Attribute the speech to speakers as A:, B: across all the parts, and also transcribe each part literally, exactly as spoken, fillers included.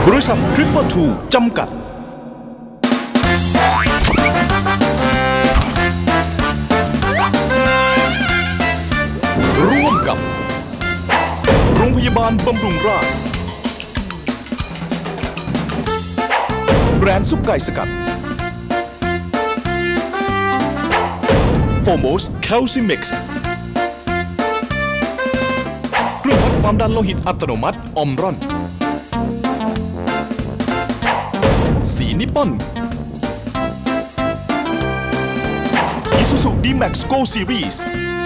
A: บริษัททริปเปอร์ทูจำกัดร่วมกับโรงพยาบาลบำรุงราษฎร์แบรนด์ซุปไก่สกัดโฟโมสแคลซิมิกซ์เครื่องวัดความดันโลหิตอัตโนมัติออมรอนสีนิปปอนอิซูซูดีแม็กซ์โกซีรีส์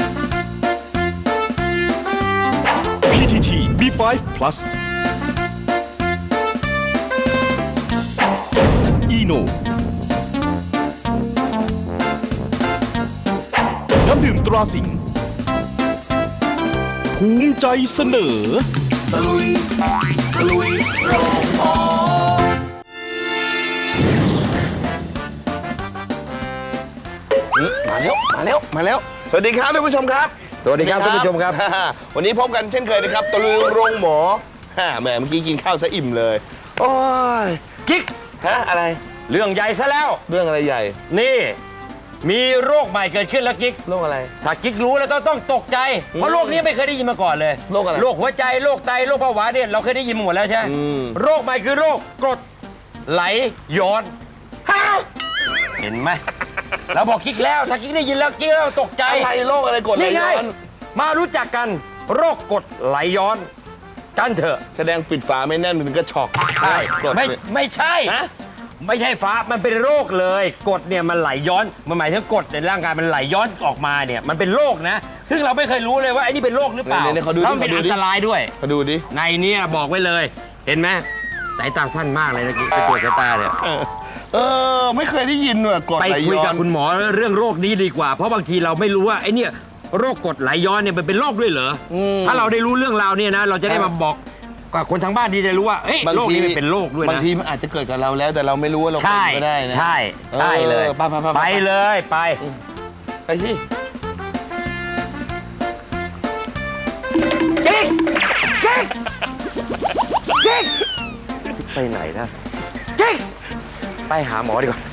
A: พี ที ที บี ไฟว์ Plus อีโนน้ำดื่มตราสิงห์ภูมิใจเสนอตะลุยตะลุยโรงหมอ
B: มาแล้วมาแล้วมาแล้วสวัสดีครับท่านผู้ชมครับ
C: สวัสดีครับท่านผู้ชมครับ
B: วันนี้พบกันเช่นเคยนะครับตะลุยโรงหมอแหมเมื่อกี้กินข้าวซะอิ่มเลยโอ้ย
C: กิ๊ก
B: ฮะอะไร
C: เรื่องใหญ่ซะแล้ว
B: เรื่องอะไรใหญ่
C: นี่มีโรคใหม่เกิดขึ้นแล้วกิ๊ก
B: โรคอะไร
C: ถ้ากิ๊กรู้แล้วต้องต้องตกใจเพราะโรคนี้ไม่เคยได้ยินมาก่อนเลย
B: โรคอะไร
C: โรคหัวใจโรคไตโรคเบาหวานเนี่ยเราเคยได้ยินมาหมดแล้วใช่ไหม
B: อืม
C: โรคใหม่คือโรคกรดไหลย้อนเห็นไหมเราบอกกิ๊กแล้วถ้ากิ๊กได้ยินแล้วกิ๊กต้องตกใจ
B: อะไรโรคอะไรกดไหล
C: นี่ไง
B: ย้อน
C: มารู้จักกันโรคกรดไหลย้อนกันเถอะ
B: แสดงปิดฝาไม่แน่นมันก็ช็อก
C: ใช่
B: กด
C: ไม่ไม่ใช่
B: ฮะ
C: ไม่ใช่ฟ้ามันเป็นโรคเลยกรดเนี่ยมันไหลย้อนมันหมายถึงกรดในร่างกายมันไหลย้อนออกมาเนี่ยมันเป็นโรคนะซึ่งเราไม่เคยรู้เลยว่าไอ้นี่เป็นโรคหรือเปล่า
B: ไหนๆเขาดูดิ
C: แล้วมันเป็น
B: เขาดู
C: อั
B: ดิ
C: นตรายด้วย
B: มาดูดิ
C: ในเนี่ยบอกไว้เลยเห็นไหมสายตาสั้นมากเลยนะกิ๊กไปตรวจสายตาเนี่ย
B: เออเออไม่เคยได้ยินว่ะกด
C: ไป
B: ไหล
C: คุย
B: ย้อ
C: กับ
B: น
C: คุณหมอเรื่องโรคนี้ดีกว่า เพราะบางทีเราไม่รู้ว่าไอ้เนี่ยโรคกรดไหลย้อนเนี่ยมันเป็นโรคด้วยเหรออถ้าเราได้รู้เรื่องราวเนี่ยนะเราจะได้มาบอกกับคนทางบ้านที่จะรู้ว่าเอ้ยโรคนี้มันเป็นโรคด้วยนะ
B: บางทีมันอาจจะเกิดกับเราแล้วแต่เราไม่รู้ว่าเรา
C: ใช่
B: เป็นก็ได้นะ
C: ใช่ใช่เลย
B: ออไปไปไป
C: ไปเลยไป
B: ไปสิ
C: กิ๊กกิ๊กกิ๊กไปไหนนะกิ๊กไปหาหมอดีกว่า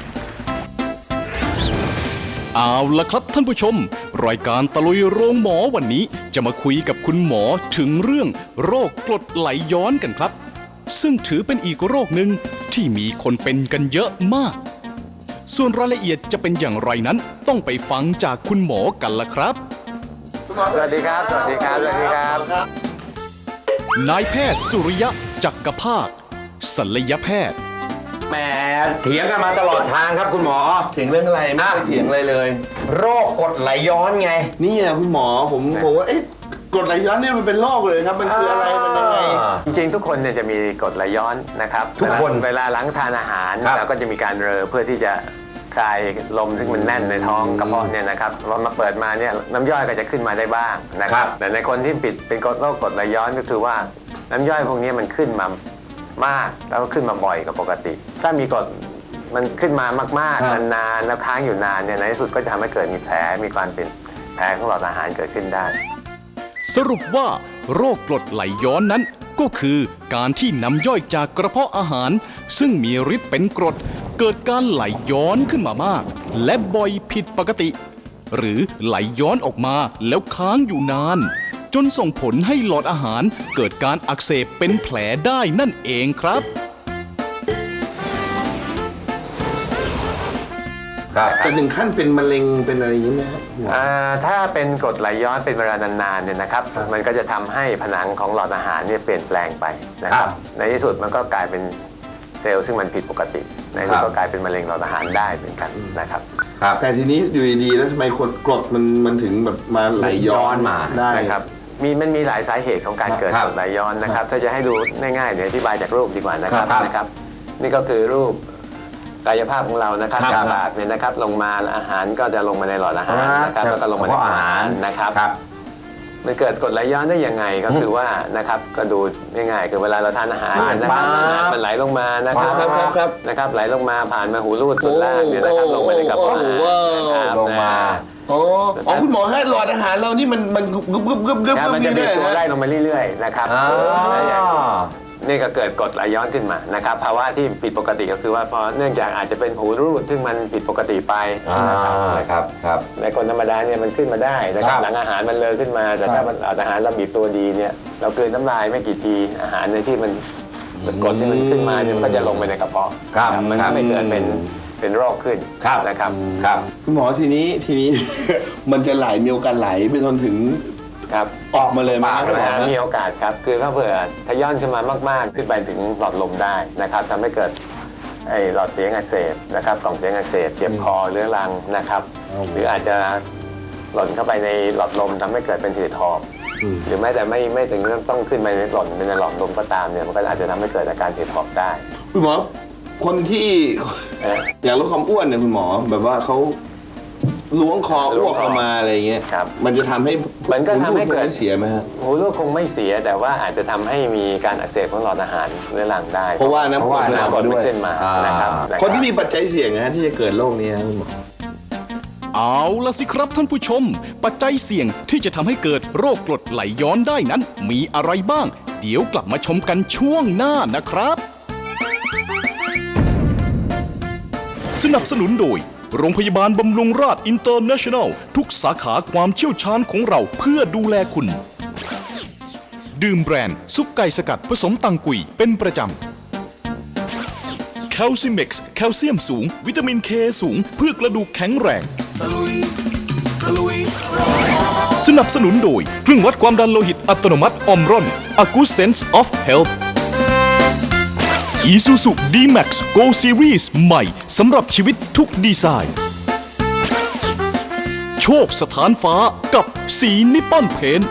A: เอาละครับท่านผู้ชมรายการตะลุยโรงหมอวันนี้จะมาคุยกับคุณหมอถึงเรื่องโรคกรดไหลย้อนกันครับ ซึ่งถือเป็นอีกโรคหนึ่งที่มีคนเป็นกันเยอะมาก ส่วนรายละเอียดจะเป็นอย่างไรนั้นต้องไปฟังจากคุณหมอกันละครับ
C: สวัสดีครับ สวัสดีครับ สวัสดีครับ
A: นายแพทย์สุริยะจักรภาคศัลยแพทย์
C: แหมเถียงกันมาตลอดทางครับคุณหมอ
B: เถียงเรื่องอะไรไม่ได้เถียงอะไรเลย
C: โรคกรดไหลย้อนไง
B: นี่อ่ะคุณหมอผมผมว่าเอ๊ะกรดไหลย้อนนี่มันเป็นโรคเลยครับมันคืออะไรมันยังไง
D: จริงๆทุกคนเนี่ยจะมีกรดไหลย้อนนะครับ
C: ทุกคน
D: เวลาหลังทานอาหาร
C: ครับ
D: เราก็จะมีการเรอเพื่อที่จะคลายลมที่มันแน่นในท้องกระเพาะเนี่ยนะครับพอมาเปิดมาเนี่ยน้ำย่อยก็จะขึ้นมาได้บ้างนะครับแต่ในคนที่ปิดเป็นโรคกรดไหลย้อนก็คือว่าน้ำย่อยพวกนี้มันขึ้นมามากแล้วก็ขึ้นมาบ่อยกว่าปกติ ถ้ามีกรดมันขึ้นมามากๆนานๆแล้วค้างอยู่นานเนี่ยในที่สุดก็จะทำให้เกิดมีแผลมีความเป็นแผลของหลอดอาหารเกิดขึ้นได้
A: สรุปว่าโรคกรดไหลย้อนนั้น ก็คือการที่น้ำย่อยจากกระเพาะอาหาร ซึ่งมีฤทธิ์เป็นกรดเกิดการไหลย้อนขึ้นมามาก และบ่อยผิดปกติ หรือไหลย้อนออกมาแล้วค้างอยู่นาน จนส่งผลให้หลอดอาหารเกิดการอักเสบเป็นแผลได้นั่นเองครับ
B: จะถึงขั้นเป็นมะเร็งเป็นอะไรอย่างนี้ไหมครับ
D: อ่าถ้าเป็นกรดไหลย้อนเป็นเวลานานๆเนี่ยนะครับมันก็จะทำให้ผนังของหลอดอาหารเนี่ยเปลี่ยนแปลงไปนะครับในที่สุดมันก็กลายเป็นเซลล์ซึ่งมันผิดปกติในที่สุดก็กลายเป็นมะเร็งหลอดอาหารได้เหมือนกันนะครับ
B: แต่ทีนี้อยู่ดีๆแล้วทำไมกรดกรดมันมันถึงแบบมาไหลย้อนมาได้
D: นะครับมีมันมีหลายสาเหตุของการเกิด
C: ครับ
D: กรดไหลย้อนนะครับถ้าจะให้ดูง่ายๆเดี๋ยวอธิบายจากรูปดีกว่านะครับ
C: ครับ
D: นะครับนี่ก็คือรูปกายภาพของเรานะครับ
C: ครับ
D: จากปากเนี่ยนะครับลงมาอาหารก็จะลงมาในหลอดอาหารนะครับแล้วก็ลงมาในอาหารนะครับ
C: ครับ
D: มันเกิดกรดไหลย้อนได้ยังไงก็คือว่านะครับก็ดูง่ายๆคือเวลาเราทานอาหารเนี่ยนะครับอาหารมันไหลลงมานะครับ
B: ครับครับครับ
D: นะครับไหลลงมาผ่านมาหูรูดสุดล่างเนี่ยนะครับลงไปในกระเพาะอาหารนะครับ
C: ลงมา
B: โอ้อ๋อคุณหมอให้หลอดอาหารเรานี่มันมันกึบกึบกึบกึบ
D: นะมันจะ
B: นี่
D: มี
B: ด้วย
D: ตัว
B: ฮะ
D: ไล่ลงมาเรื่อยๆนะครับ
C: อ่า
D: แล้วอย่างนี่ก็เกิดกรดไหลย้อนขึ้นมานะครับภาวะที่ผิดปกติก็คือว่าพอเนื่องจากอาจจะเป็นหูรูดซึ่งมันผิดปกติไป
C: อ่า
D: นะครับ
C: ครับ
D: ในคนธรรมดาเนี่ยมันขึ้นมาได้นะครับหลังอาหารมันเลอะขึ้นมาแต่ถ้ามันอาหารเราบีบตัวดีเนี่ยเรากลืนน้ำลายไม่กี่ทีอาหารในที่มันกรดที่มันขึ้นมาเนี่ยมันก็จะลงไปในกระเพาะ
C: ครับ
D: มันทำให้เกิดเป็นเป็นโรคขึ้น
C: ครับ
D: นะครับ
C: ครับ
B: คุณหมอทีนี้ทีนี้ มันจะไหลมีโอกาสไหลไปจนถึง
D: ครับ
B: ออกมาเลยไหมครับคุณหมอ
D: มีโอกาสครับคือถ้าเผื่อทะย่อนขึ้นมามากๆขึ้นไปถึงหลอดลมได้นะครับทำให้เกิดไอ้หลอดเสียงอักเสบนะครับกล่องเสียงอักเสบเจ็บคอเรื้อรังนะครับหรืออาจจะหล่นเข้าไปในหลอดลมทำให้เกิดเป็นหืดหอบหรือแม้แต่ไม่ไม่ถึงเรื่องต้องขึ้นไปในหล่นไปในหลอดลมก็ตามเนี่ยมันก็อาจจะทำให้เกิดอาการหืดหอบได้
B: คุณหมอคนที่
D: เอ่อ
B: อยากลดความอ้วนเนี่ยคุณหมอแบบว่าเขาล้วงคอ
D: ล้ว
B: อ้ว
D: ง
B: ก
D: คอ
B: ออกมาอะไรอย่างเงี้ย
D: ครับ
B: มันจะทำให้
D: มันก็ทำให้เกิด
B: เสียไหมฮะ
D: หูรูดคงไม่เสียแต่ว่าอาจจะทำให้มีการอักเสบของหลอดอาหารเรื้อรังได้
B: เพราะว่าน้ำกรด
D: เพราะว่า
B: มัน
D: น้ำกรด
B: ด้
D: มั
B: วน ย
D: ขึ้นมา
C: อ่าน
D: นะครับ
B: คนที่มีปัจจัยเสี่ยงนะฮะที่จะเกิดโรคนี้นะคุณหมอ
A: เอาละสิครับท่านผู้ชม ปัจจัยเสี่ยงที่จะทำให้เกิดโรคกรดไหลย้อนได้นั้น มีอะไรบ้าง เดี๋ยวกลับมาชมกันช่วงหน้านะครับ สนับสนุนโดยโรงพยาบาลบำรุงราษอินเตอร์เนชั่นแนลทุกสาขาความเชี่ยวชาญของเราเพื่อดูแลคุณ ดื่มแบรนด์ซุปไก่สกัดผสมตังกุยเป็นประจำแคลซิเม็กซ์แคลเซียมสูง วิตามินเคสูงเพื่อกระดูกแข็งแรง สนับสนุนโดยเครื่องวัดความดันโลหิตอัตโนมัติออมรอน A Good Sense of Health Isuzu D-Max Go Series ใหม่สำหรับชีวิตทุกดีไซน์ โชคสถานฟ้ากับสีนิปปอนเพนท์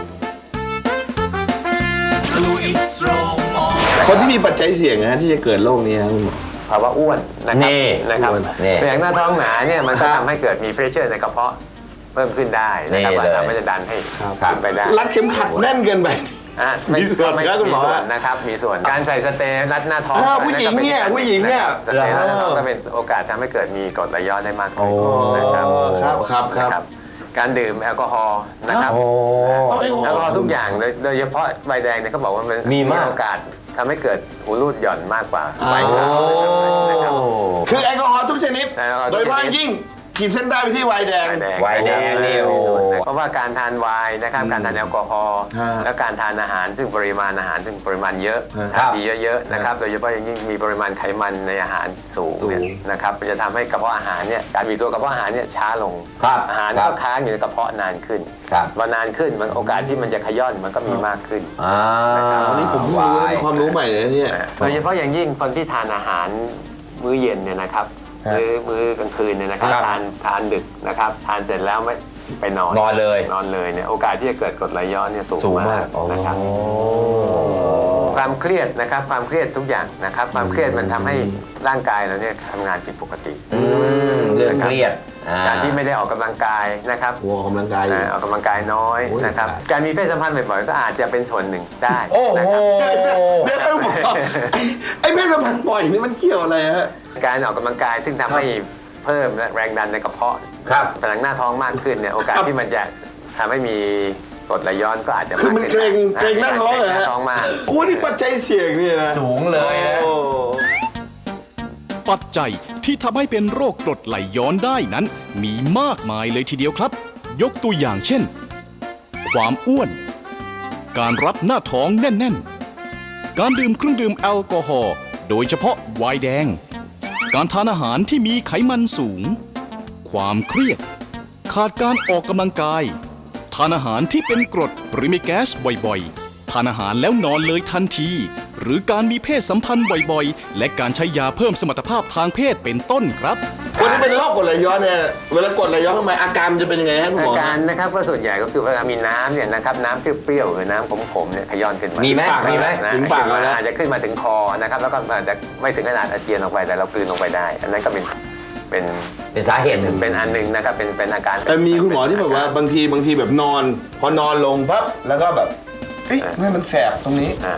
B: คนที่มีปัจจัยเสี่ยงนะฮะที่จะเกิดโรคนี้นะคุณหมอ
D: ภาวะอ้วนนะครับ
C: นี่
D: นะครับ
C: อ้วนนี่
D: อย่างหน้าท้องหนาเนี่ยมันก็ทำให้เกิดมีเพรสเชอร์ในกระเพาะเพิ่มขึ้นได้นะครับ
C: นี่เลย
D: ทำให้จะดันให้
C: ครับ
D: ขึ้นไปได้
B: รัดเข็มขัดแน่นเกินไป
D: อ่ะ
B: มีส่วน
D: ไม่
B: ครับคุณหมอ
D: มีส่วนนะครับมีส่วนการใส่สเตย์รัดหน้าท้อง
B: อ่าผู้หญิงเนี่ย
D: ก็ป็
B: ผู้หญิงเนี่ย
D: ะครับสเตย์รัดหน้าท้องก็เป็นโอกาสทำให้เกิดมีกรดไหลย้อนได้มากขึ้นนะครับ
B: ครับครับครับ
D: นะการดื่มแอลกอฮอล์นะครับ
C: โอ้
D: แอลกอฮอล์ทุกอย่างโดยโดยเฉพาะใบแดงเนี่ยเขาบอกว่ามัน
C: มีมาก
D: โอกาสทำให้เกิดหูรูดหย่อนมากกว่าใบขาวนะครับ
B: คือแอลกอฮอล์ทุกชนิด
D: แอลกอฮอล์ทุ
B: โด
D: ก
B: ย
D: ชนิด
B: เฉพาะยิ่งขีดเส้นใต้ไปที่ไวน์แดง
C: ไวน์แดงนี่โอ้
D: เพราะว่าการทานไวน์นะครับการทานแอลกอฮอล์
B: ฮะ
D: และการทานอาหารซึ่งปริมาณอาหารซึ่งปริมาณเยอะ
B: ฮะ
D: ทานดีเยอะๆนะครับโดยเฉพาะอย่างยิ่งมีปริมาณไขมันในอาหารสูงเนี่ย
B: สูง
D: นะครับมันจะทำให้กระเพาะอาหารเนี่ยการบีบตัวกระเพาะอาหารเนี่ยช้าลง
C: ครับ
D: อาหาร
C: ครั
D: ก็
C: บ
D: ค้างอยู่ในกระเพาะนานขึ้น
C: ครับ
D: พอนานขึ้นมันโอกาสที่มันจะขย้อนมันก็มีมากขึ้น
C: อ่า
B: อันนี้ผมเพิ่งรู้นะเป็นความรู้ใหม่เลยนะเนี่ย
D: โดยเฉพาะอย่างยิ่งคนที่ทานอาหารมื้อเย็นเนี่ยนะครับ
B: ครับ
D: มื้อมื้อกลางคืนเนี่ยนะครับ
C: ครับ
D: ทานทานดึกนะครับทานเสร็จแล้วไม่ไปนอน
C: นอนเลย
D: นอนเลยเนี่ยโอกาสที่จะเกิดกรดไหลย้อนเนี่ยสูง
C: สูงมาม
D: าก กนะครับ
C: โอ้
D: ความเครียดนะครับความเครียดทุกอย่างนะครับความเครียดมันทำให้ร่างกายเราเนี่ยทำงานผิดปกติ
C: อืมเรื่องเครียดอ่
D: การที่ไม่ได้ออกกำลังกายนะครับ
B: หัวออกกำลังกายอยู่
D: อ่าออกกำลังกายน้อย
B: โอ้ย
D: นะครับ
B: ตาย
D: การมีเพศสัมพันธ์บ่อยๆก็อาจจะเป็นส่วนหนึ่งได้
C: โอ้
D: นะ
C: โห
D: ครับ
B: เดี๋ยวนะหมอไอ้ไอ้เพศสัมพันธ์บ่อยนี่มันเกี่ยวอะไรฮะ
D: การออกกำลังกายซึ่งทำให้เพิ่มแรงดันในกระเพาะ
C: ครับ
D: ผนังหน้าท้องมากขึ้นเนี่ยโอกาส
B: ครับ
D: ที่มันจะทำให้มีกรดไหลย้อนก็อาจจะ
B: คือ
D: มาก
B: มัน
D: ขึ้น
B: เกรงเกรงหน้าท้องเหรอ
D: เกรงห
B: ฮะ
D: น้าท้องมาก
B: โอ้นี่ปัจจัยเสี่ยงนี่นะ
C: สูงเลยนะ
B: โอ้
A: ปัจจัยที่ทำให้เป็นโรคกรดไหลย้อนได้นั้น มีมากมายเลยทีเดียวครับ ยกตัวอย่างเช่น ความอ้วน การรัดหน้าท้องแน่น ๆ การดื่มเครื่องดื่มแอลกอฮอล์โดยเฉพาะไวน์แดง การทานอาหารที่มีไขมันสูง ความเครียด ขาดการออกกำลังกาย ทานอาหารที่เป็นกรดหรือมีแก๊สบ่อยๆ ทานอาหารแล้วนอนเลยทันที หรือการมีเพศสัมพันธ์บ่อยๆ และการใช้ยาเพิ่มสมรรถภาพทางเพศเป็นต้นครับ
B: คนที่เป็นโรคกรดไหลย้อนเนี่ยเวลากรดไหลย้อนเข้ามาอาการมันจะเป็นยังไงฮะคุณห
D: อาม
B: อ
D: การนะครับก็ส่วนใหญ่ก็คือเวลามีน้ำเนี่ยนะครับน้ำเปรี้ยวๆหรือน้ำขมๆเนี่ยขย้อนขึ้นมา
C: มี
D: มี
C: ไหมมีไหม
B: ถึงปากแล้วนะ
D: อาจจะขึ้นมาถึงคอนะครับแล้วก็อาจจะไม่ถึงขนาดอาเจียนออกไปแต่เรากลืนลงไปได้ อันนั้นก็เป็นเป็น
C: เป็นสาเหตุหนึ่ง
D: เป็นอันหนึ่งนะครับเป็นเป็นอาการ
B: แต่มีคุณหมอที่แบบว่าบางทีบางทีแบบนอน พอนอนลงปั๊บแล้วก็แบบเอ้ยทำไมมันแสบตรงนี้
D: อ่า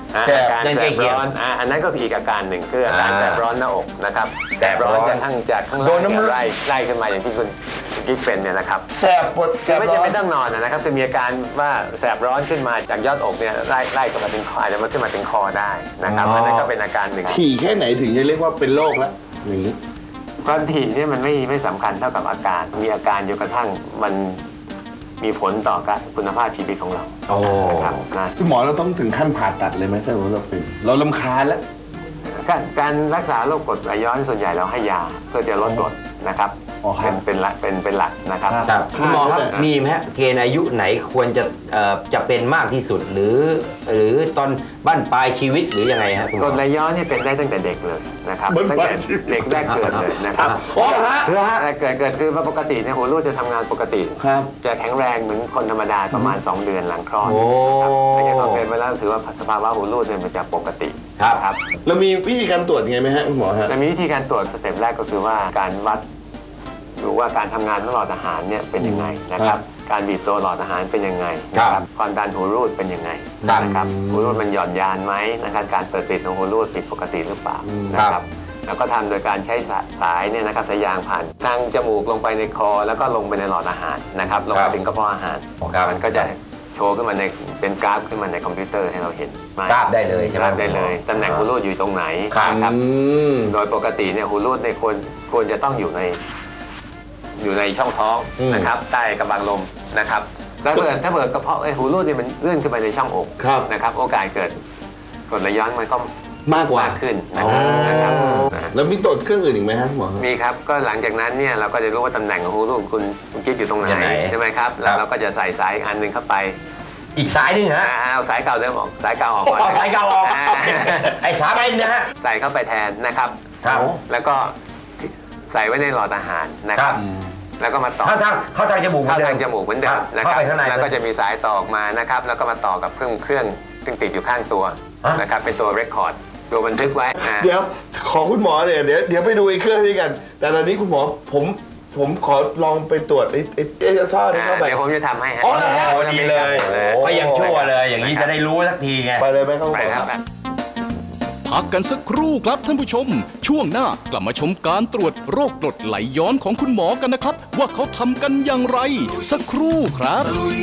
D: อ่า
B: แสบ
D: อาการ
C: นั่น
D: แส
C: ใกล้
D: บ
C: เคียง
D: ร้อนอ่าอันนั้นก็คืออีกอาการหนึ่งคืออาการ
C: อ่า
D: แสบร้อนหน้าอกนะครับแสบร้อนจากข้างจากข้าง
B: โด
D: ล่าง
B: นน้ำ
D: เนี่ยไล่ไล่ขึ้นมาอย่างที่คุณคุณกิ๊กเป็นเนี่ยนะครับ
B: แสบปวดแส
D: คือบ ไม่
B: ร้
D: จะ
B: อน
D: ไม่ต้องนอนนะครับคือมีอาการว่าแสบร้อนขึ้นมาจากยอดอกเนี่ยไล่ไล่ขึ้นมาถึงคออาจจะมาขึ้นมาถึงคอได้นะครับ
C: อ๋ออั
D: อันนั้นก็เป็นอาการหนึ่ง
B: ถี่แค่ไหนถึงจะเรียกว่าเป็นโรคแล้วอย่างนี้
D: ความถี่เนี่ยมันไม่ไม่สำคัญเท่ากับอาการ มีอาการจนกระทั่งมันมีผลต่อการคุณภาพชีวิตของเรา
C: โอ้
D: นะครับนะ
B: คุณหมอเราต้องถึงขั้นผ่าตัดเลยไหมถ้าเราเป็นเราลำคาญแล้ว
D: การการรักษาโรคกรดไหลย้อนส่วนใหญ่เราให้ยาเพื่อจะลดกรดนะครับ
B: อ๋อครั
D: เป็
B: บ
D: นเป็นหลักเป็นเป็นหลักนะครับ
C: ครับคุณหมอครับ
B: ครับ
C: มีไหมฮะเกณฑ์อายุไหนควรจะเอ่อจะเป็นมากที่สุดหรือ หรือตอนบั้นปลายชีวิตหรือยังไงฮะคุณห
D: ก
C: ม
D: ร
C: อ
D: ดไหลย้อนนี่เป็นได้ตั้งแต่เด็กเลยนะครับ
B: เหมือน
D: ตั้งแต่
B: บ้านชีวิต
D: เด็กแรกเกิดเลยนะครับ
B: อ๋อเหรอฮะ
C: เหรอฮะ
D: แต่เกิดเกิดคือว่าปกติเนี่ยหัวรูดจะทำงานปกติ
B: ครับ
D: จะแข็งแรงเหมือนคนธรรมดาประมาณ สอง เดือนหลังคลอด
C: โอ้
D: นะครับถ้าอย่างสองเดือนไปแล้วถือว่าสภาวะหัวรูดเนี่ยมันจะปกติ
C: ครับ
D: นะครับ
B: เรามีวิธีการตรวจยังไงไหมฮะคุณหมอฮะ
D: และมีวิธีการตรวจสเต็ปแรกก็คือว่าการวัดดูว่าการทำงานของหลอดอาหารเนี่ยเป็นยังไงนะครับ การบีบตัวหลอดอาหารเป็นยังไงนะครับความดันหูรูดเป็นยังไง
C: ครับ
D: นะครับหูรูดมันหย่อนยานไหมนะครับการเปิดปิดของหูรูดผิดปกติหรือเปล่านะครับแล้วก็ทำโดยการใช้สาสายเนี่ยนะครับสายยางผ่านทางจมูกลงไปในคอ แล้วก็ลงไปในหลอดอาหารนะครับลง
C: ครั
D: ไป
C: บ
D: ถึงกระเพาะอาหาร
C: ครับ
D: มันก็จะโชว์ขึ้นมาในเป็นกราฟขึ้นมาในคอมพิวเตอร์ให้เราเห็น
C: ทราบได้เลยใช่ไหม
D: ทราบได้เลยตำแหน่งหูรูดอยู่ตรงไหน
C: ครับ
D: นะครับ
B: อืม
D: โดยปกติเนี่ยหูรูดในยควรควรจะต้องอยู่ในอยู่ในช่องท้อง
B: อืม
D: นะครับใต้กระบังลมนะครับแล้วถ้าเกิดถ้าเกิดกระเพาะไอ้หูรูดเนี่ยมันเลื่อนขึ้นไปในช่องอก
B: ครับ
D: นะครับ โอกาสเกิดกรดไหลย้อนมันก็
B: มากกว่า
D: มากขึ้นนะครับ
B: อ๋อ
D: นะครับนะฮะ
B: แล้วมีตรวจเครื่องอื่นอีกไหมฮะคุณหมอ
D: มีครับก็หลังจากนั้นเนี่ยเราก็จะรู้ว่าตำแหน่งของหูรูดคุณคุณกิ๊บอยู่ตรงไหน
C: ยังไง
D: ใช่ไหมครับแล้วเราก็จะใส่สายอีกอันหนึ่งเข้าไป
C: อีกสายหนึงฮะ
D: อ่าเอาสายเก่าเดิมออกสายเก่าออกก่อน
C: เอาสายเก่าออก
D: า
C: ไอ้สายไปนะฮะ
D: ใส่เข้าไปแทนนะครับ
C: ครับ
D: แล้วก็ใส่ไว้ในหลอดอาหารนะครับ แล้วก็มาต่อ
C: เข้าทางเข้าทางจมูกหมื
D: เข้า
C: อนดิ
D: ทางจมูกเหมือนเดิ
C: ครั
D: ม
C: บ
D: นะค
C: เข้า
D: รับ
C: ไปข้างใน
D: แล้วก็จะมีสายต่อออกมานะครับ แล้วก็มาต่อกับเครื่องเครื่องซึ่งติดอยู่ข้างตัว
C: ฮะ
D: นะครับ เป็นตัวเรคคอร์ดตัวบันทึกไว้อ่า
B: เดี๋ยวขอคุณหมอเนี่ยเดี๋ยวเดี๋ยวไปดูไอ้เครื่องนี้กัน แต่ตอนนี้คุณหมอผมผมขอลองไปตรวจไอ้ไอ้ไอ้ท่อนี้
D: อ่า
B: เข้าไป
D: เดี๋ยวผมจะทำให้ฮะ
B: อ๋อเหรอฮะ
C: โอ้ดีเลย
B: โอ้
C: ก็ยังชั่วเลย อย่างนี้จะได้รู้สักทีไง
B: ไปเลยไหมครับคุณ
D: ไป
B: หมอ
D: ครับ
A: พักกันสักครู่ครับท่านผู้ชม ช่วงหน้ากลับมาชมการตรวจโรคกรดไหลย้อนของคุณหมอกันนะครับ ว่าเขาทำกันอย่างไร สักครู่ครับ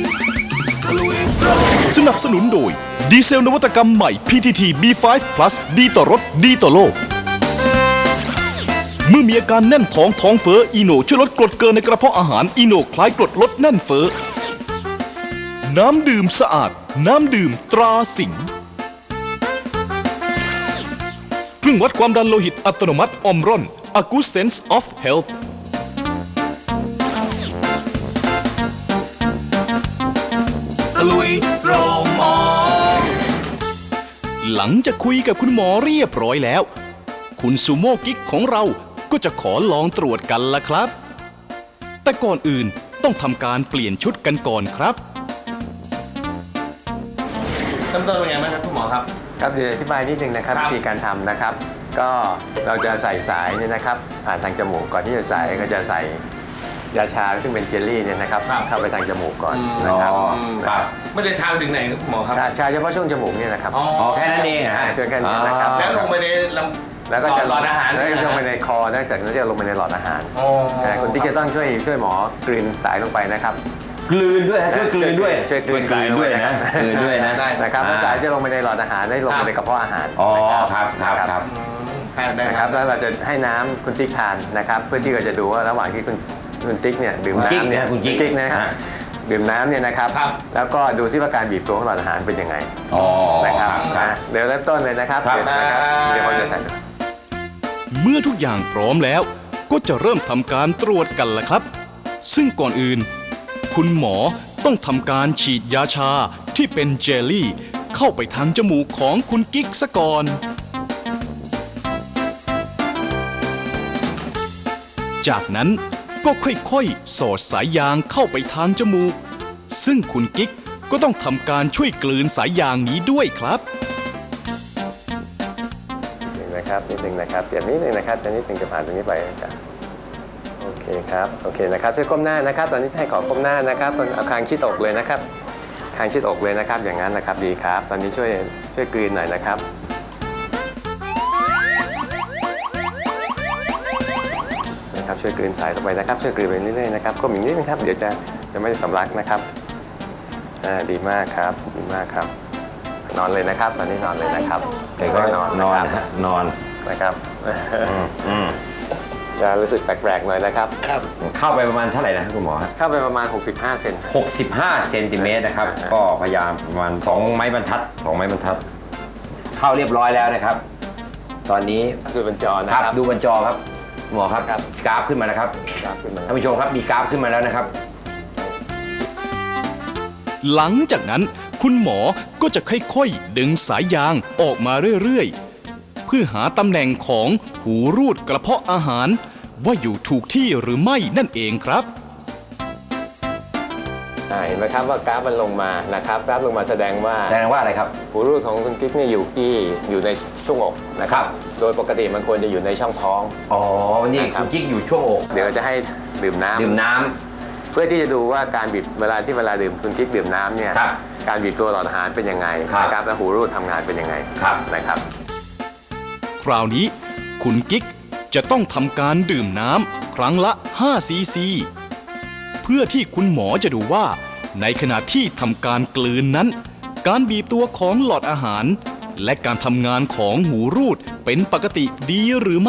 A: สนับสนุนโดย ดีเซลนวัตกรรมใหม่ พี ที ที บี ไฟว์ plus ดีต่อรถดีต่อโลก เมื่อมีอาการแน่นท้องท้องเฟ้ออีโนช่วยลดกรดเกินในกระเพาะอาหารอีโนคล้ายกรดลดแน่นเฟ้อน้ำดื่มสะอาด น้ำดื่มตราสิงห์เครื่องวัดความดันโลหิตอัตโนมัติออมรอน A Good Sense of Health หลังจากคุยกับคุณหมอเรียบร้อยแล้ว คุณซูโม่กิ๊กของเราก็จะขอลองตรวจกันละครับ แต่ก่อนอื่นต้องทำการเปลี่ยนชุดกันก่อนครับ
B: ขั้นตอนเป็นไงบ้างครับคุณหมอครับ
D: ครับเดี๋ยวอธิบายนิดนึงนะครับ
B: ครับ
D: วิธีการทำนะครับ ก็เราจะใส่สายเนี่ยนะครับผ่านทางจมูกก่อนที่จะใส่ก็จะใส่ยาชาซึ่งเป็นเจลลี่เนี่ยนะครับเข้าไปทางจมูกก่อนนะครับ
C: อ๋อ
D: นะครับ
B: ไม่ได้ชาไปถึงไหนครับคุณหมอครับ
D: ชาชาเฉพาะช่วงจมูกเนี่ยนะครับ
B: อ๋อ
C: อ๋อแค่นั้นเองเหรอฮะ
D: ช่วยกันเนี่ยนะครับ
B: แล้วลงไปในล
D: แล้วก็จะ
B: หลอดอาหาร
D: แล้วก็จะลงไป
B: เลยนะ
D: ในคอนอกจากนั้นจะลงไปในหลอดอาหาร
B: อ๋อ
D: นะคุณที่จะต้องช่วยช่วยหมอกลืนสายลงไปนะครับ
C: กลืนด้วยฮะช่วยกลืนด้วย
D: ช่วยกลืน
C: กลืนด้วยนะกลืนด้วยนะ
B: ได้
D: นะครับแล้วสายจะลงไปในหลอดอาหารได้ลงไปในกระเพาะอาหาร
C: อ๋อ
D: นะครับ
C: ครับครับครับ
B: ได้
D: นะ
B: ค
D: ค
B: รั
D: รั
B: บบ
D: แล้วเราจะให้น้ำคุณติ๊กทานนะครับ เพื่อที่เราจะดูว่าระหว่างที่คุณคุณติ๊กเนี่ยดื่ม
C: คุณกิ๊ก
D: น้ำเนี่ย
C: นะคุณกิ๊ก
D: ติ๊กนะครับ
C: ฮะ
D: ดื่มน้ำเนี่ยนะครับ
B: ครับ
D: แล้วก็ดูซิว่าการบีบตัวของหลอดอาหารเป็นยังไง
C: อ๋อ
D: นะครับ
C: ครับ
D: นะเดี๋ยวเริ่มต้นเลยนะครับ
C: ครับ
D: เดี๋ยวนะครับเดี๋ยวผมจะใส่
A: เมื่อทุกอย่างพร้อมแล้ว ก็จะเริ่มทำการตรวจกันละครับ ซึ่งก่อนอื่น คุณหมอต้องทำการฉีดยาชาที่เป็นเจลลี่ เข้าไปทางจมูกของคุณกิ๊กซะก่อน จากนั้นก็ค่อยๆ สอดสายยางเข้าไปทางจมูก ซึ่งคุณกิ๊กก็ต้องทำการช่วยกลืนสายยางนี้ด้วยครับ
D: นิดนึงนะครับนิดนึงนะครับเปลี่ยนนิดนึงนะครับจะนิดนึงจะผ่านตรงนี้ไปนะครับโอเคครับโอเคนะครับช่วยก้มหน้านะครับ ตอนนี้ให้ขอก้มหน้านะครับเอาคางชิดอกเลยนะครับคางชิดอกเลยนะครับ อย่างนั้นนะครับดีครับ ตอนนี้ช่วยช่วยกลืนหน่อยนะครับนะครับช่วยกลืนใส่ลงไปนะครับช่วยกลืนไปเรื่อยๆนะครับก้มอีกนิดนึงครับเดี๋ยวจะจะไม่สำลักนะครับอ่าดีมากครับดีมากครับนอนเลยนะครับตอนนี้นอนเลยนะครับ
C: เด็กก็นอนนอนฮะนอน
D: นะครับ
C: อืม
D: จะรู้สึกแปลกๆหน่อยนะครับ
C: เข้าไปประมาณเท่าไหร่นะคุณหมอฮะ
D: เข้าไปประมาณหกสิบห้าเซน
C: หกสิบห้าเซนติเมตรนะครับก็พยายามประมาณสองไม้บรรทัดสองไม้บรรทัดเข้าเรียบร้อยแล้วนะครับ ตอนนี้
D: ดูบนจอนะ
C: ค
D: ค
C: รั
D: รั
C: บบ ดูบนจอครับหมอครับ
D: ครับ
C: กราฟขึ้นมาแล้วครับ
D: ครับขึ้นมา
C: ท่านผู้ชมครับมีกราฟขึ้นมาแล้วนะครับ
A: หลังจากนั้นคุณหมอก็จะค่อยๆ ดึงสายยางออกมาเรื่อยๆ เพื่อหาตำแหน่งของหูรูดกระเพาะอาหาร ว่าอยู่ถูกที่หรือไม่นั่นเองครับ
D: อ่าเห็นไหมครับว่ากราฟมันลงมานะครับกราฟลงมาแสดงว่า
C: แสดงว่าอะไรครับ
D: หูรูดของคุณกิ๊กเนี่ยอยู่ที่อยู่ในช่วงอกนะครับ โดยปกติมันควรจะอยู่ในช่องท้อง
C: อ๋อนี่
D: นะครับ
C: คุณกิ๊กอยู่ช่วงอก
D: เดี๋ยวจะให้ดื่มน้ำ
C: ดื่มน้ำ
D: เพื่อที่จะดูว่าการบีบเวลาที่เวลาดื่มคุณกิ๊กดื่มน้ำเนี่ย
C: ครับ
D: การบีบตัวหลอดอาหารเป็นยังไง
C: ครับ
D: นะครับและหูรูดทำงานเป็นยังไง
C: ครับ
D: นะครับ
A: คราวนี้คุณกิ๊กจะต้องทำการดื่มน้ำครั้งละห้าซีซีเพื่อที่คุณหมอจะดูว่า ในขณะที่ทำการกลืนนั้น การบีบตัวของหลอดอาหาร และการทำงานของหูรูดเป็นปกติดีหรือไม่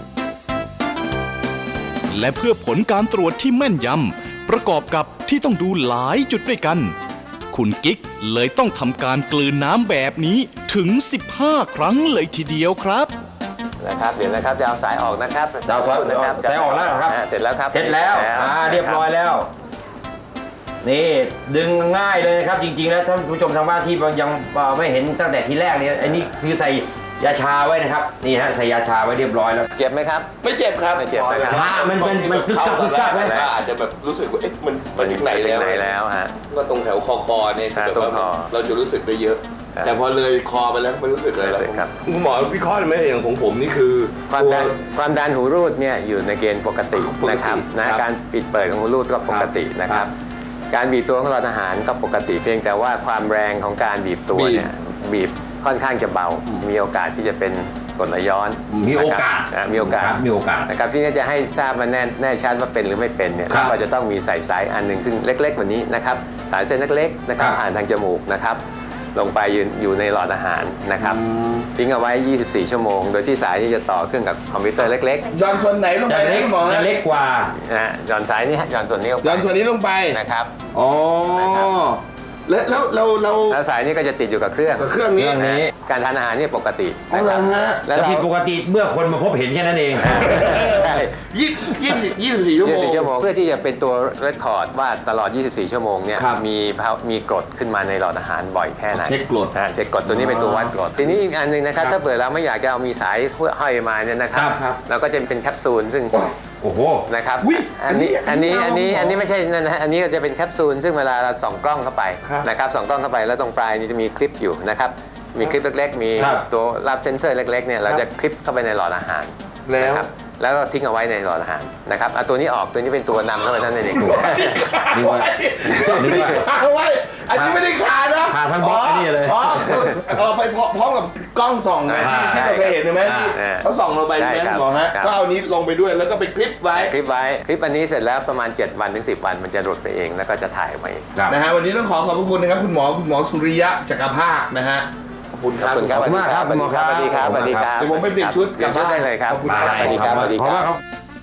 A: และเพื่อผลการตรวจที่แม่นยำประกอบกับที่ต้องดูหลายจุดด้วยกัน คุณกิ๊กเลยต้องทำการกลืนน้ำแบบนี้ถึงสิบห้าครั้งเลยทีเดียวครับ
D: นะครับเดี๋ยวนะครับจะเอาสายออกนะครับ
C: จะเอาสาย
D: นะครับ
C: สายออกแล้วเหรอครับ
D: าเสร็จแล้วครับ
C: เสร็จแล้วอ่าเรียบร้อยแล้ว นี่ดึงง่ายเลยนะครับ จริงๆแล้วท่านผู้ชมทางบ้านที่ยังไม่เห็นตั้งแต่ทีแรกเนี่ยอันนี้คือใส่ยาชาไว้นะครับนี่ฮะใส่ยาชาไว้เรียบร้อยแล้ว
D: เจ็บไหมครับ
B: ไม่เจ็บครับ
D: ไม่เจ็บนะครับ
C: ชามันมันมันกึกกักกึกกักไหม
B: ก็อาจจะแบบรู้สึกว่าเอ๊ะมันมันถึงไหน
D: ถึ
B: แล้
D: ง
B: ว
D: ไหนแล้วฮะ
B: ก็ตรงแถวคอคอเนี่ย
D: อ่า
B: แบบ
D: ตรง
B: ว่า
D: คอ
B: เราจะรู้สึกได้เยอะ
D: ครับ
B: แต่พอเลยคอไปแล้วไม่รู้สึกเลย
D: ไม่รู้สึกครับ
B: คุณหมอวิเคราะห์ได้ไหมอย่างของผมนี่คือ
D: ความดัน
B: ตัว
D: ความดันหูรูดเนี่ยอยู่ในเกณฑ์ปกติ
B: ปกติ
D: นะครับนะครับ การปิดเปิดของหูรูดก็ปกตินะค
B: ครั
D: รับ
B: บ
D: การบีบตัวของหลอดอาหารก็ปกติเพียงแต่ว่าความแรงของการบีบตัวเนี่ยบีบค่อนข้างจะเบา มีโอกาสที่จะเป็นกรดไหลย้อน
C: มีโอกาส
D: นะครับมีโอกาส
C: ครับมีโอกาส
D: นะครับที่นี่จะให้ทราบมาแน่แน่ชัดว่าเป็นหรือไม่เป็นเนี่ย
C: ครับ
D: เราจะต้องมีใส่สายอันหนึ่งซึ่งเล็กๆกว่านี้นะครับสายเส้นเล็กๆนะครับ
C: ครับ
D: ผ่านทางจมูกนะครับลงไปยืนอยู่ในหลอดอาหารนะครับทิ้งเอาไว้ ยี่สิบสี่ ชั่วโมง โดยที่สายนี้จะต่อเครื่องกับคอมพิวเตอร์เล็ก
B: ย้อนส่วนไหนลง
C: จะ
B: ไป
C: เล็ก
B: คุณหมอ
C: จะ
B: ฮะ
C: เล็กกว่า
D: ๆนะฮะหย่อนสายนี้ฮะหย่อนส่วนนี้ลงไป
B: ย้อนส่วนนี้ลงไป
D: นะครับ
B: อ๋อ
D: นะครับ
B: แล้วแล้วเราเรา
D: แล้วสายนี้ก็จะติดอยู่กับเครื่อง
B: กับเครื่องนี้
C: เครื่องนี้
D: การทานอาหารเนี่ยปกติ
B: อ๋อ
D: นะ
B: เห
D: ค
B: ร
D: รั
B: อบ ฮะ
D: แล้ว
C: แต่
D: เรา
C: ผิดปกติเมื่อคนมาพบเห็นแค่นั้นเอง
D: ใช่
B: ยี่ยี่สิบยี่สิบสี่ชั่วโม
D: ยี่
B: ง
D: สิบสี่ชั่วโมงเพื่อที่จะเป็นตัวเรคคอร์ดว่าตลอด ยี่สิบสี่ ชั่วโมงเนี่ย
B: ครับ
D: มีภาวมีกรดขึ้นมาในหลอดอาหารบ่อยแค่ไหน
B: เช็คกรด
D: อ่าเช็คกรดตัวนี้เป็นตัววัดกรดทีนี้อีกอันหนึ่งนะครับ
B: ครับ
D: ถ้าเปิดเราไม่อยากจะเอามีสายห้อยมาเนี่ยนะครับ
C: ครับ
B: ครับ
D: เราก็จะเป็นแคปซูลซึ่ง
C: โอ้โห
D: นะครับ
B: อุ๊ย
D: อันนี้
B: อั
D: อัน
B: นนี้
D: นี้อันนี้
B: เอา
D: อันนี้ไม่ใช่นั่นนะฮะอันนี้ก็จะเป็นแคปซูลซึ่งเวลาเราส่องกล้องเข้าไป
B: ครับ
D: นะครับส่องกล้องเข้าไปแล้วตรงปลายนี้จะมีคลิปอยู่นะครับมีคลิปเล็กๆ มี
C: ครับ
D: ตัวรับเซนเซอร์เล็กๆเนี่ยเรา
B: ครับ
D: จะคลิปเข้าไปในหลอดอาหาร
B: แล้ว
D: นะครับแล้วก็ทิ้งเอาไว้ในหลอดอาหารนะครับเอาตัวนี้ออกตัวนี้เป็นตัวนำเข้าไปนั่นเอง
C: นึกว่านึกว่า
B: ขาเอาไว้ อันนี้ไม่ได้ขานะ
C: ขาทั้งบล็อกไอ้นี่เลย
B: อ๋อเออไปพร้อมกับกล้องส่องไง
C: อ่า
B: ที่เราเคยเห็นใช่ไหมที่
D: อ่า
B: เขาส่องลงไปใช่ไหม
D: ใช่ครับ
B: คุณหมอฮะ
D: ครับ
B: ก็เอานี้ลงไปด้วยแล้วก็ไปคลิปไว้
D: คลิปไว้คลิปอันนี้เสร็จแล้วประมาณเจ็ดวันถึงสิบวันมันจะหลุดไปเองแล้วก็จะถ่ายออกมาเอง
C: ครับ
B: นะฮะวันนี้ต้องขอขอบพระคุณนะครับคุณหมอคุณหมอสุริยะจักรภาคนะฮะขอบคุณค
D: ข
B: รั
D: อ
B: บบ
D: คุณครับ
C: ขอบคุณมากครับ
D: สวัสดีครับ
C: ขอบ
D: สวัส
C: คุณ
D: ดี
C: ค
D: ค
C: รั
D: รับ บ
B: เดี๋ยวผมไปเปลี่ยนชุด
D: เปลี่ยนชุดได้เลยครับ
B: ขอบคุณ
C: ได้
B: ครับ
D: สวัสดีครับสวัสดี
C: เพ
D: ค
C: ราะ
D: รั
C: ว่า
D: บ
C: เขา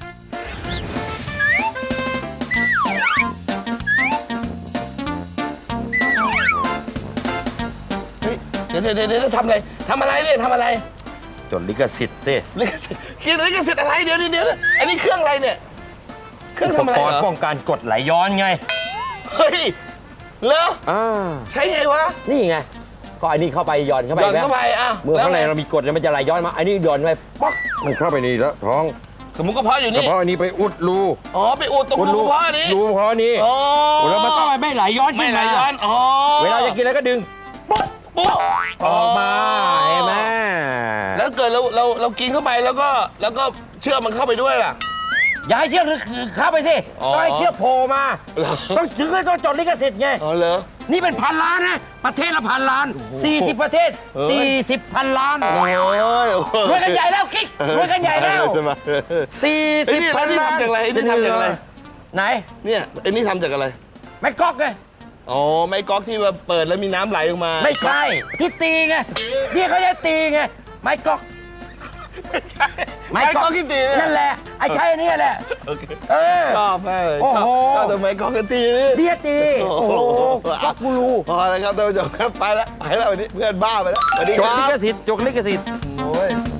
B: เฮ้ยเดี๋ยวเดี๋ยวเดี๋ยวเดี๋ยวทำอะไรทำอะไรเนี่ยทำอะไร
C: จดลิขสิทธิ์สิ
B: ลิขสิทธิ์คิดลิขสิทธิ์อะไรเดี๋ยวเดี๋ยวเดี๋ยวอันนี้เครื่องอะไรเนี่ย เครื่อง
C: อุป
B: ทำอะไร
C: กร
B: เหร
C: ณ์
B: อ
C: ป้องกันกรดไหลย้อนไง
B: เฮ้ยเหรอ
C: อ่า
B: ใช่ไงวะ
C: นี่ไงก็อันนี้เข้าไปหย่อนเข้าไป
B: หย่อน
C: แล้ว
B: เข้าไปอ่ะ
C: เมื่อข้างใน
B: แล้วไง
C: เรามีกรดเนี่ยมันจะไหลย้อนมาอันนี้หย่อนไปป๊อกมันเข้าไปในแล้วท้อง
B: สมมุติกระเพาะอยู่
C: กระ
B: นี่
C: เพาะอันนี้ไปอุดรู
B: อ๋อไปอุดตรง
C: อุด
B: รูกระเพาะนี้
C: รูกระเพาะนี้
B: อ๋อ
C: แล้วมันต้องไม่ไหลย้อน
B: ไม่
C: ขึ้น
B: ไหล
C: มา
B: ย้อนอ๋อ
C: เวลาจะกินแล้วก็ดึง
B: ปุ๊บปุ๊บ
C: ออกมาเห็นไหม
B: แล้วเกิดเราเราเรากินเข้าไปแล้วก็แล้วก็เชือกมันเข้าไปด้วยล่ะ
C: อย่าให้เชือกหรือเข้าไปสิ
B: อ๋อ
C: ต้องให้เชือกโผล่มา
B: เหรอ
C: ต้องถึงก็ต้องจดลิขสิทธิ์ไง
B: อ๋อเหรอ
C: นี่เป็นพันล้านนะประเทศละพันล้านสี่สิบประเทศสี่สิบพันล้าน
B: โอ้ย
C: รวยกันใหญ่แล้วกิ๊กรวยกันใหญ่แล้ว
B: ใช่ไหม
C: สี่
B: ไอ้
C: สิบ
B: นี่
C: พั
B: แล้ว
C: น
B: นี่
C: ล้าน
B: ทำจากอะไรไอ้นี่ทำจากอะไร
C: ไหน
B: เนี่ยไอ้นี่ทำจากอะไร
C: ไม่ก๊อกไง
B: อ๋อไม้ก๊อกที่ว่าเปิดแล้วมีน้ำไหลออกมา
C: ไม่ใช่ที่ตีไงที่เขาจะตีไงไม้ก๊อก
B: ไม่ใช่ไม้ก๊อกที่ตีเนี่ย
C: นั่นแหละไอ้ใช่อันนี่แหละ
B: โอเค
C: เออ
B: ชอบมากเลย
C: โอ้
B: ชอบ
C: โห
B: ชอบแต่ไม้ก๊อกกันตีนี่
C: เดียตีโอ้โหก๊อกกูรู
B: พอแล้วครับท่านผู้ชมครับไปแล้วไปแล้ววันนี้เพื่อนบ้าไปแล้วสวัสดี
C: จ
B: ค
C: ก
B: รั
C: ลิ
B: บ
C: ขสิทธิ์จกลิขสิทธิ์
B: โอ้ย